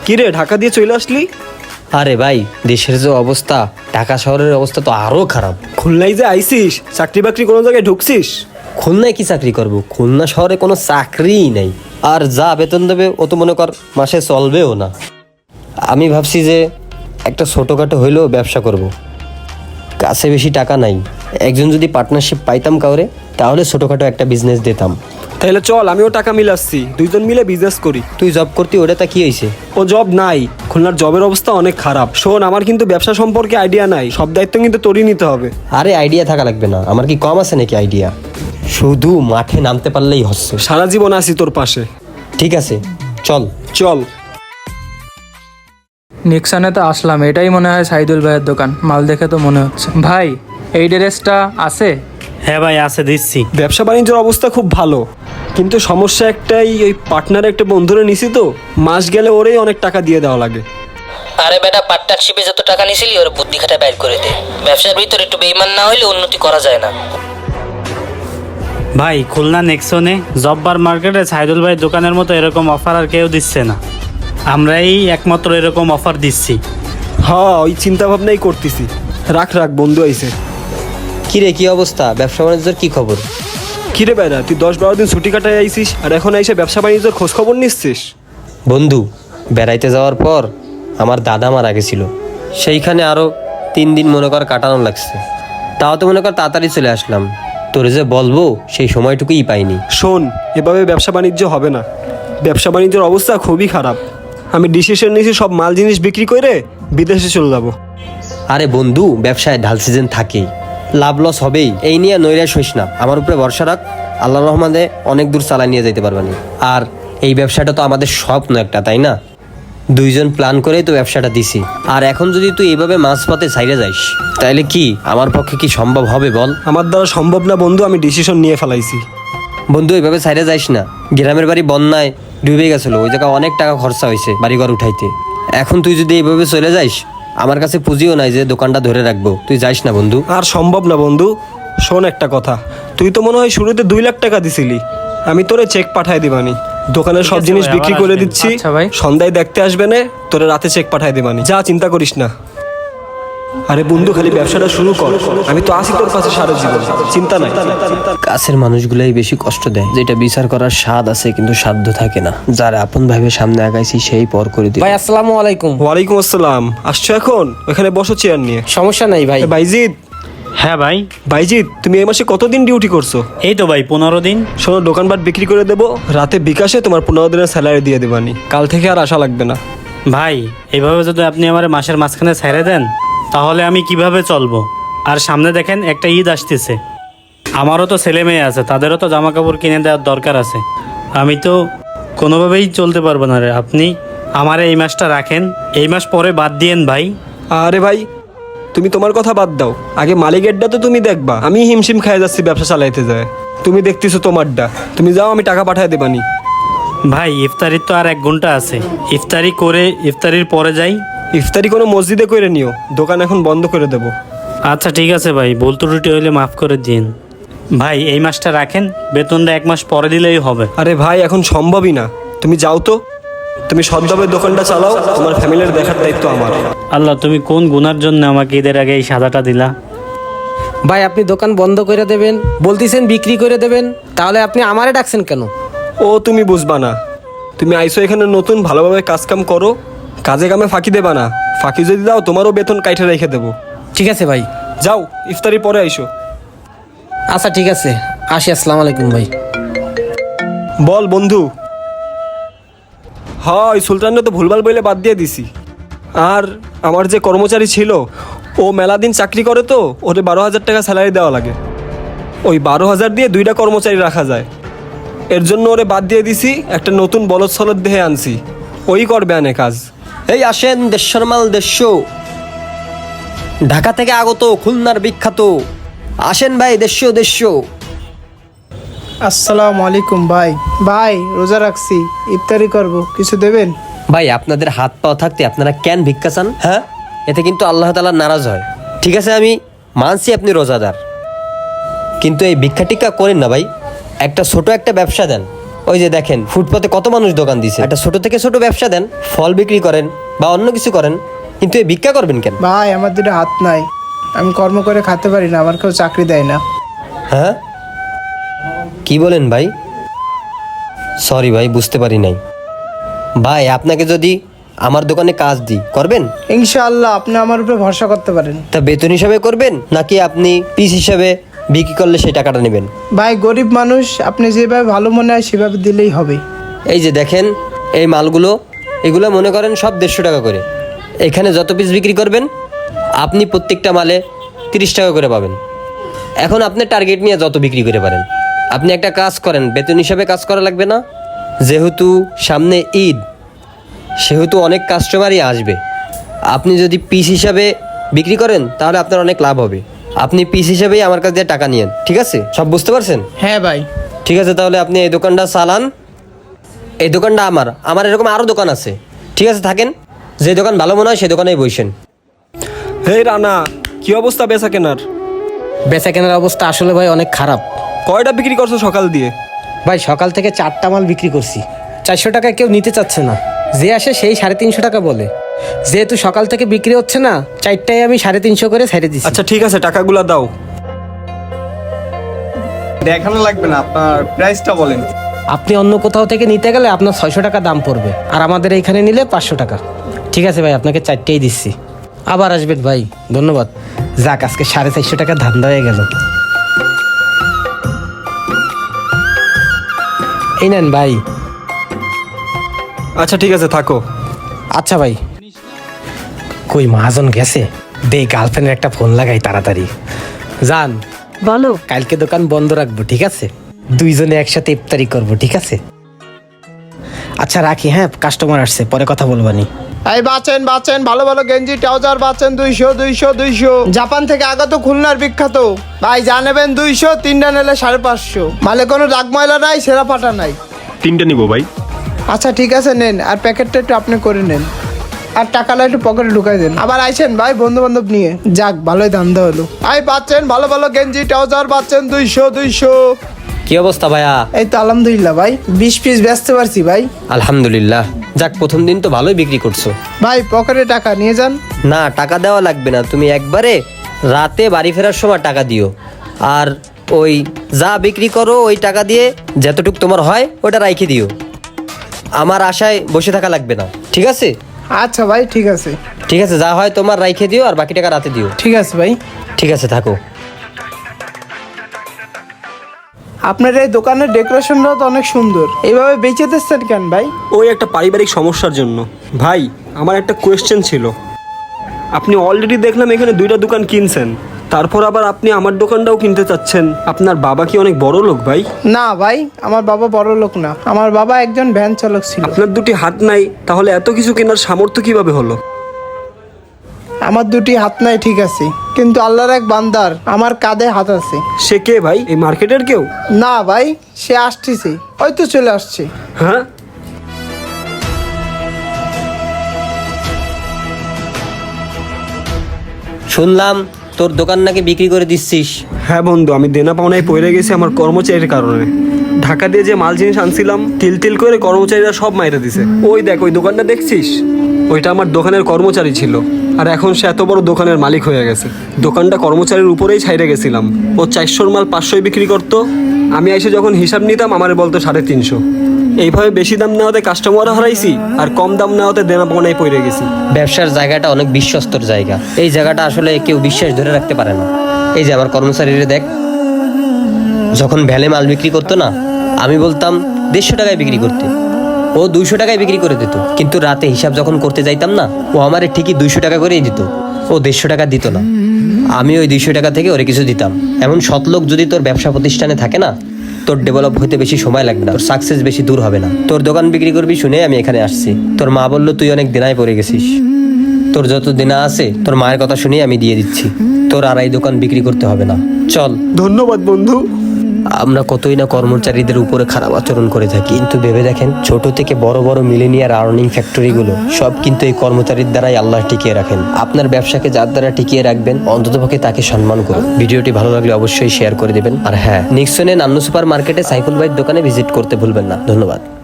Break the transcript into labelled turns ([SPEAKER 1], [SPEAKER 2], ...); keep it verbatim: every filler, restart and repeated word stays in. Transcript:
[SPEAKER 1] কিরে ঢাকা দিয়ে চলে আসলি?
[SPEAKER 2] আরে ভাই, দেশের যে অবস্থা, ঢাকা শহরের অবস্থা তো আরো খারাপ।
[SPEAKER 1] খুলনায় যে আইসিস, চাকরি বাকরি কোনো জায়গায় ঢুকছিস?
[SPEAKER 2] খুলনায় কি চাকরি করব? খুলনা শহরে কোনো চাকরিই নাই। আর যা বেতন দেবে ও তো মনে কর মাসে চলবেও না। আমি ভাবছি যে একটা ছোটোখাটো হইলেও ব্যবসা করব। কাছে বেশি টাকা নাই, একজন যদি পার্টনারশিপ পাইতাম কাউরে, তাহলে ছোটোখাটো একটা বিজনেস দিতাম।
[SPEAKER 1] তাহলে চল, আমিও টাকা মিলাচ্ছি, দুইজন মিলে বিজনেস করি।
[SPEAKER 2] তুই জব করতি, ওটা তা কি হয়েছে?
[SPEAKER 1] ও জব নাই, খুলনার জবের অবস্থা অনেক খারাপ। শোন, আমার কিন্তু ব্যবসা সম্পর্কে আইডিয়া নাই, সব দায়িত্ব কিন্তু তোরই নিতে হবে।
[SPEAKER 2] আরে আইডিয়া থাকা লাগবে না, আমার কি কম আছে নাকি আইডিয়া? শুধু মাঠে নামতে পারলেই হচ্ছে।
[SPEAKER 1] সারা জীবন আছি তোর পাশে।
[SPEAKER 2] ঠিক আছে, চল
[SPEAKER 1] চল।
[SPEAKER 3] নিক্সানে তো আসলাম, এটাই মনে হয় সাইদুল ভাইয়ের দোকান, মাল দেখে তো মনে হচ্ছে। ভাই, এই ড্রেসটা আছে?
[SPEAKER 4] হ্যাঁ ভাই আছে, দিচ্ছি।
[SPEAKER 1] ব্যবসা বাণিজ্যের অবস্থা খুব ভালো, কিন্তু সমস্যা একটাই, ওই পার্টনার একটা বন্ধুরে নিছি তো, মাস গেলে ওরেই অনেক টাকা দিয়ে দেওয়া লাগে।
[SPEAKER 5] আরে বেটা, পার্টনারশিপে যত টাকা নিছিলি ওর বুদ্ধি খাটা বাইর করে দে। ব্যবসার ভিতরে একটু বেইমান না হইলে উন্নতি করা যায় না।
[SPEAKER 4] ভাই, খুলনা নেক্সনে জব্বার মার্কেটে সাইদুল ভাই দোকানের মতো এরকম অফার আর কেউ দিচ্ছে না, আমরাই একমাত্র এরকম অফার দিচ্ছি।
[SPEAKER 1] হ্যাঁ, ওই চিন্তা ভাবনাই করতেছি। রাখ রাখ, বন্ধু আইছে।
[SPEAKER 2] কিরে, কি অবস্থা? ব্যবসা বাণিজ্যের কি খবর?
[SPEAKER 1] কিরে বেড়া, তুই দশ বারো দিন ছুটি কাটায় আইসিস, আর এখন এসে ব্যবসা বাণিজ্যের খোঁজ খবর নিচ্ছিস?
[SPEAKER 2] বন্ধু, বেড়াইতে যাওয়ার পর আমার দাদা মারা গেছিল, সেইখানে আরও তিন দিন মনে কর কাটানো লাগছে। তাও তো মনে কর তাড়াতাড়ি চলে আসলাম। তোরে যে বলবো সেই সময়টুকুই পাইনি।
[SPEAKER 1] শোন, এভাবে ব্যবসা বাণিজ্য হবে না, ব্যবসা বাণিজ্যের অবস্থা খুবই খারাপ। আমি ডিসিশন নিয়েছি সব মাল জিনিস বিক্রি করে বিদেশে চলে যাবো।
[SPEAKER 2] আরে বন্ধু, ব্যবসায় ঢাল সিজন থাকেই, লাভ লস হবেই, এই নিয়ে নৈরাশ হইস না। আমার উপরে ভরসা রাখ, আল্লাহ রহমানে অনেক দূর চালায় নিয়ে যেতে পারবানি। আর এই ব্যবসাটা তো আমাদের স্বপ্ন একটা, তাই না? দুইজন প্ল্যান করেই তো ব্যবসাটা দিছি। আর এখন যদি তুই এইভাবে মাঝপথে ছাইড়ে যাইস, তাহলে কি আমার পক্ষে কি সম্ভব হবে বল?
[SPEAKER 1] আমার দ্বারা সম্ভব না বন্ধু, আমি ডিসিশন নিয়ে ফেলাইছি।
[SPEAKER 2] বন্ধু, এইভাবে ছাইড়ে যাইস না। গ্রামের বাড়ি বন্যায় ডুবে গেছিল, ওই জায়গায় অনেক টাকা খরচা হয়েছে বাড়িঘর উঠাইতে। এখন তুই যদি এইভাবে চলে যাইস, আমার কাছে পুঁজিও নাই যে দোকানটা ধরে রাখবো। তুই যাইস না বন্ধু।
[SPEAKER 1] আর সম্ভব না বন্ধু। শোন একটা কথা, তুই তো মনে হয় শুরুতে দুই লাখ টাকা দিছিলি, আমি তোরে চেক পাঠাই দিবানি। দোকানের সব
[SPEAKER 4] আছে
[SPEAKER 1] জিনিস
[SPEAKER 4] ভাই,
[SPEAKER 1] বিক্রি
[SPEAKER 4] আবার
[SPEAKER 1] করে
[SPEAKER 4] আসবেন।
[SPEAKER 1] দিচ্ছি,
[SPEAKER 3] আচ্ছা ভাই।
[SPEAKER 1] সন্ধ্যায় দেখতে আসবে না, তোরে রাতে চেক পাঠাই দিবানি। যা, চিন্তা করিস না। আরে বন্ধু, খালি ব্যবসাটা শুরু কর, আমি তো আসি তোর কাছে সারা জীবন, চিন্তা নাই।
[SPEAKER 2] কাছের মানুষগুলাই বেশি কষ্ট দেয়, যেটা বিচার করার স্বাদ আছে কিন্তু সাধ্য থাকে না। যারা আপন ভাবে সামনে আগাইছি সেই পর করে দিই।
[SPEAKER 6] ভাই আসসালামু আলাইকুম।
[SPEAKER 1] ওয়ালাইকুম আসসালাম। আসছো এখন? ওখানে বসো চেয়ার নিয়ে।
[SPEAKER 6] সমস্যা নাই ভাই।
[SPEAKER 1] এ বাইজিৎ,
[SPEAKER 4] হ্যাঁ ভাই।
[SPEAKER 1] বাইজিৎ তুমি এই মাসে কতদিন ডিউটি করছো?
[SPEAKER 4] এই তো ভাই পনেরো দিন।
[SPEAKER 1] শোনো, দোকানপাট বিক্রি করে দেবো, রাতে বিকাশে তোমার পনেরো দিনের স্যালারি দিয়ে দেবানি। কাল থেকে আর আশা লাগবে না।
[SPEAKER 4] ভাই, এইভাবে যদি আপনি আমার মাসের মাঝখানে ছেড়ে দেন, তাহলে আমি কিভাবে চলবো? আর সামনে দেখেন একটা ঈদ আসতেছে, আমারও তো ছেলে মেয়ে আছে, তাদেরও তো জামা কাপড় কিনে দেওয়ার দরকার আছে। আমি তো কোনোভাবেই চলতে পারবো না রে। আপনি আমার এই মাসটা রাখেন, এই মাস পরে বাদ দিয়েন ভাই।
[SPEAKER 1] আরে ভাই, তুমি তোমার কথা বাদ দাও, আগে মালিকেরটা তো তুমি দেখবা। আমি হিমশিম খাই যাচ্ছি ব্যবসা চালাইতে যায়, তুমি দেখতেছো তোমারটা। তুমি যাও, আমি টাকা পাঠায় দেবানি।
[SPEAKER 4] ভাই, ইফতারির তো আর এক ঘন্টা আছে, ইফতারি করে ইফতারির পরে যাই।
[SPEAKER 1] ইফতারি কোনো মসজিদে করে নিও, দোকান এখন বন্ধ করে দেবো।
[SPEAKER 4] আচ্ছা ঠিক আছে ভাই, ভুল ত্রুটি হইলে মাফ করে দিন। ভাই, এই মাসটা রাখেন, বেতনটা এক মাস পরে দিলেই হবে।
[SPEAKER 1] আরে ভাই, এখন সম্ভবই না, তুমি যাও তো। তুমি সদ্ভাবে দোকানটা চালাও, তোমার ফ্যামিলির দেখার দায়িত্ব আমার।
[SPEAKER 4] আল্লাহ, তুমি কোন গুনার জন্য আমাকে ঈদের আগে এই সাদাটা দিলা?
[SPEAKER 6] ভাই আপনি দোকান বন্ধ করে দেবেন বলতেছেন, বিক্রি করে দেবেন, তাহলে আপনি আমারে ডাকছেন কেন?
[SPEAKER 1] ও তুমি বুঝবা না, তুমি আইসো এখানে নতুন, ভালোভাবে কাজ কাম করো, কাজে কামে ফাঁকি দেবা না। ফাঁকি যদি দাও, তোমারও বেতন কাইটে রেখে দেবো।
[SPEAKER 6] ঠিক আছে ভাই।
[SPEAKER 1] যাও, ইফতারি পরে আইসো।
[SPEAKER 6] আচ্ছা ঠিক আছে, আসি। আসসালামু আলাইকুম ভাই।
[SPEAKER 1] বল বন্ধু। হয় সুলতানরা তো ভুলভাল বলে বাদ দিয়ে দিছি। আর আমার যে কর্মচারী ছিল, ও মেলা দিন চাকরি করে তো, ওরে বারো হাজার টাকা স্যালারি দেওয়া লাগে। ওই বারো হাজার দিয়ে দুইটা কর্মচারী রাখা যায়, এর জন্য ওরে বাদ দিয়ে দিছি। একটা নতুন বলদ সলদ দেহে আনছি, ওই করবে আনে কাজ।
[SPEAKER 2] এই আসেন, দেশের মাল দেশ, ঢাকা থেকে আগত, খুলনার বিখ্যাত। আসেন ভাই, দেশীয় দেশীয়।
[SPEAKER 7] আসসালামু আলাইকুম ভাই। ভাই রোজা রাখছি, ইফতারি করব, কিছু দেবেন?
[SPEAKER 2] ভাই, আপনাদের হাত পাও থাকতে আপনারা কেন ভিক্ষা চান? হ্যাঁ, এতে কিন্তু আল্লাহ তাআলা নারাজ হয়। ঠিক আছে, আমি মানছি আপনি রোজাদার, কিন্তু এই ভিক্ষা টিক্কা করেন না ভাই। একটা ছোট একটা ব্যবসা দেন, ওই যে দেখেন ফুটপাতে কত মানুষ দোকান দিছে, একটা ছোট থেকে ছোট ব্যবসা দেন, ফল বিক্রি করেন বা অন্য কিছু করেন, কিন্তু এই ভিক্ষা করবেন কেন?
[SPEAKER 7] ভাই আমার দুটো হাত নাই, আমি কর্ম করে খেতে পারি না, আমার কেউ চাকরি দেয় না।
[SPEAKER 2] হ্যাঁ কি বলেন ভাই? সরি ভাই, বুঝতে পারি নাই। ভাই আপনাকে যদি আমার দোকানে কাজ দিই, করবেন?
[SPEAKER 7] ইনশাআল্লাহ আপনি আমার উপরে ভরসা করতে পারেন।
[SPEAKER 2] তা বেতন হিসাবে করবেন নাকি আপনি পিস হিসাবে বিক্রি করলে সেই টাকাটা নেবেন?
[SPEAKER 7] ভাই গরিব মানুষ, আপনি যেভাবে ভালো মনে হয় সেভাবে দিলেই হবে।
[SPEAKER 2] এই যে দেখেন এই মালগুলো, এগুলো মনে করেন সব দেড়শো টাকা করে। এখানে যত পিস বিক্রি করবেন আপনি প্রত্যেকটা মালে তিরিশ টাকা করে পাবেন। এখন আপনি টার্গেট নিয়ে যত বিক্রি করে পারেন। আপনি একটা কাজ করেন, বেতন হিসাবে কাজ করা লাগবে না, যেহেতু সামনে ঈদ সেহেতু অনেক কাস্টমারই আসবে। আপনি যদি পিস হিসাবে বিক্রি করেন তাহলে আপনার অনেক লাভ হবে। আপনি পিস হিসাবেই আমার কাছ দিয়ে টাকা নিয়েন, ঠিক আছে? সব বুঝতে পারছেন?
[SPEAKER 7] হ্যাঁ ভাই।
[SPEAKER 2] ঠিক আছে, তাহলে আপনি এই দোকানটা চালান। এই দোকানটা আমার আমার এরকম আরও দোকান আছে, ঠিক আছে? থাকেন, যে দোকান ভালো মনে হয় সেই দোকানেই বসেন।
[SPEAKER 1] হে রানা, কি অবস্থা বেচা কেনার?
[SPEAKER 6] বেচা কেনার অবস্থা আসলে ভাই অনেক খারাপ।
[SPEAKER 1] কয়টা বিক্রি করছো সকাল দিয়ে?
[SPEAKER 6] ভাই সকাল থেকে চারটা মাল বিক্রি করছি, চারশো টাকা কেউ নিতে চাচ্ছে না, যে আসে সেই সাড়ে তিনশো টাকা বলে। যেহেতু সকাল থেকে বিক্রি হচ্ছে না, চারটায় আমি সাড়ে তিনশো করে ছেড়ে দিচ্ছি।
[SPEAKER 1] আচ্ছা ঠিক আছে, টাকাগুলা দাও।
[SPEAKER 8] দেখানো লাগবে না, আপনার প্রাইসটা বলেন।
[SPEAKER 6] আপনি অন্য কোথাও থেকে নিতে গেলে আপনার ছয়শো টাকা দাম পড়বে, আর আমাদের এইখানে নিলে পাঁচশো টাকা। ঠিক আছে ভাই, আপনাকে চারটেই দিচ্ছি, আবার আসবেন ভাই, ধন্যবাদ। যাক, আজকে সাড়ে চারশো টাকা ধান্দা হয়ে গেল। এই নেন ভাই।
[SPEAKER 1] আচ্ছা ঠিক আছে, থাকো।
[SPEAKER 6] আচ্ছা ভাই। কই মহাজন গেছে? দে গার্লফ্রেন্ডের একটা ফোন লাগাই তাড়াতাড়ি। জান
[SPEAKER 9] বলো।
[SPEAKER 6] কালকে দোকান বন্ধ রাখবো, ঠিক আছে? দুইজনে একসাথে ইফতারি করবো, ঠিক আছে? আচ্ছা রাখি, হ্যাঁ কাস্টমার আসছে, পরে কথা বলবানি।
[SPEAKER 7] এই বাঁচেন বাঁচেন, ভালো ভালো গেঞ্জি ট্রাউজার বাঁচেন, দুইশো দুইশো দুইশো। জাপান থেকে আগত, খুলনার বিখ্যাত ভাই, জানেবেন দুইশো, তিনটা নিলে সাড়ে পাঁচশো। মালে কোনো দাগ ময়লা নাই, সেরা ফাটা নাই।
[SPEAKER 8] তিনটা নিবো ভাই।
[SPEAKER 7] আচ্ছা ঠিক আছে, নেন, আর প্যাকেটটা একটু আপনি করে নেন, আর টাকাটা একটু পকেটে ঢুকাই দেন। আবার আইসেন ভাই বন্ধু বান্ধব নিয়ে, যাক ভালোই ধান্দা হলো। আই পাচ্ছেন ভালো ভালো গেঞ্জি ট্রাউজার পাচ্ছেন দুইশো দুইশো।
[SPEAKER 2] কি অবস্থা ভাইয়া?
[SPEAKER 7] এই তো আলহামদুলিল্লাহ ভাই, বিশ পিস বেচতে পারছি ভাই।
[SPEAKER 2] আলহামদুলিল্লাহ, যাক প্রথম দিন তো ভালোই বিক্রি করছো।
[SPEAKER 7] ভাই পকেটে টাকা নিয়ে যান।
[SPEAKER 2] না, টাকা দেওয়া লাগবে না, তুমি একবারে রাতে বাড়ি ফেরার সময় টাকা দিও। আর ওই যা বিক্রি করো ওই টাকা দিয়ে যতটুক তোমার হয় ওটা রাইখে দিও। আমার আশায় বসে থাকা লাগবে না, ঠিক আছে?
[SPEAKER 7] আচ্ছা ভাই ঠিক আছে।
[SPEAKER 2] ঠিক আছে, যা হয় তোমার রাইখে দিও, আর বাকি টাকা রাতে দিও।
[SPEAKER 7] ঠিক আছে ভাই।
[SPEAKER 2] ঠিক আছে, থাকো।
[SPEAKER 7] আপনার এই দোকানের ডেকোরেশনটাও তো অনেক সুন্দর, এইভাবে বেঁচে দিচ্ছেন কেন ভাই?
[SPEAKER 1] ওই একটা পারিবারিক সমস্যার জন্য। ভাই আমার একটা কোয়েশ্চেন ছিল, আপনি অলরেডি দেখলাম এখানে দুইটা দোকান কিনছেন, তারপর আবার আপনি আমার দোকানটাও কিনতে চাচ্ছেন। আপনার বাবা কি অনেক বড় লোক ভাই?
[SPEAKER 7] না ভাই, আমার বাবা বড় লোক না, আমার বাবা একজন ভ্যান চালক ছিল।
[SPEAKER 1] আপনার দুটি হাত নাই, তাহলে এত কিছু কেনার সামর্থ্য কিভাবে হলো?
[SPEAKER 7] আমার দুটি হাত নাই ঠিক আছে, কিন্তু আল্লাহর এক বান্দার আমার কাঁধে হাত আছে।
[SPEAKER 1] সে কে ভাই? এই মার্কেটের কেউ?
[SPEAKER 7] না ভাই, সে আসতেছে, হয়তো চলে আসছে।
[SPEAKER 1] হ্যাঁ,
[SPEAKER 2] শুনলাম তোর দোকান নাকি বিক্রি করে দিচ্ছিস।
[SPEAKER 1] হ্যাঁ বন্ধু, আমি দেনা পাওনায় পড়ে গেছি আমার কর্মচারীর কারণে। ঢাকা দিয়ে যে মাল জিনিস আনছিলাম তিল তিল করে কর্মচারীরা সব মাইরে দিছে। ওই দেখ ওই দোকানটা দেখছিস, ওইটা আমার দোকানের কর্মচারী ছিল, আর এখন সে এত বড় দোকানের মালিক হয়ে গেছে। দোকানটা কর্মচারীর উপরেই ছাইড়ে গেছিলাম। ও চারশোর মাল পাঁচশোয় বিক্রি করতো, আমি এসে যখন হিসাব নিতাম আমারে বলতো সাড়ে তিনশো। এইভাবে বেশি দাম নেওয়াতে কাস্টমারও হারাইছি, আর কম দাম নেওয়াতে দেনা পাওনায় পড়ে গেছি।
[SPEAKER 2] ব্যবসার জায়গাটা অনেক বিশ্বস্তর জায়গা, এই জায়গাটা আসলে কেউ বিশ্বাস ধরে রাখতে পারে না। এই যে আমার কর্মচারীরা দেখ, যখন ভ্যালে মাল বিক্রি করতো না, আমি বলতাম দেড়শো টাকায় বিক্রি করতে, ও দুইশো টাকায় বিক্রি করে দিত। কিন্তু রাতে হিসাব যখন করতে যাইতাম না, ও আমার ঠিকই দুইশো টাকা করেই দিত, ও দেড়শো টাকা দিত না। আমি ওই দুইশো টাকা থেকে ওরে কিছু দিতাম। এমন সৎ লোক যদি তোর ব্যবসা প্রতিষ্ঠানে থাকে না, তোর ডেভেলপ হতে বেশি সময় লাগবে না, তোর সাকসেস বেশি দূর হবে না। তোর দোকান বিক্রি করবি শুনে আমি এখানে আসছি। তোর মা বললো তুই অনেক দিনায় পড়ে গেছিস, তোর যত দিনা আছে তোর মায়ের কথা শুনে আমি দিয়ে দিচ্ছি, তোর আর এই দোকান বিক্রি করতে হবে না, চল।
[SPEAKER 1] ধন্যবাদ বন্ধু।
[SPEAKER 2] আমরা কতই না কর্মচারীদের উপরে খারাপ আচরণ করে থাকি, কিন্তু ভেবে দেখেন ছোট থেকে বড় বড় মিলেনিয়ার আর্নিং ফ্যাক্টরিগুলো সব কিন্তু এই কর্মচারীর দ্বারাই আল্লাহ টিকিয়ে রাখেন। আপনার ব্যবসাকে যার দ্বারা টিকিয়ে রাখবেন অন্ততপক্ষে তাকে সম্মান করুন। ভিডিওটি ভালো লাগলে অবশ্যই শেয়ার করে দিবেন। আর হ্যাঁ, নিক্সনে নান্নু সুপার মার্কেটে সাইফুল ভাইয়ের দোকানে ভিজিট করতে ভুলবেন না। ধন্যবাদ।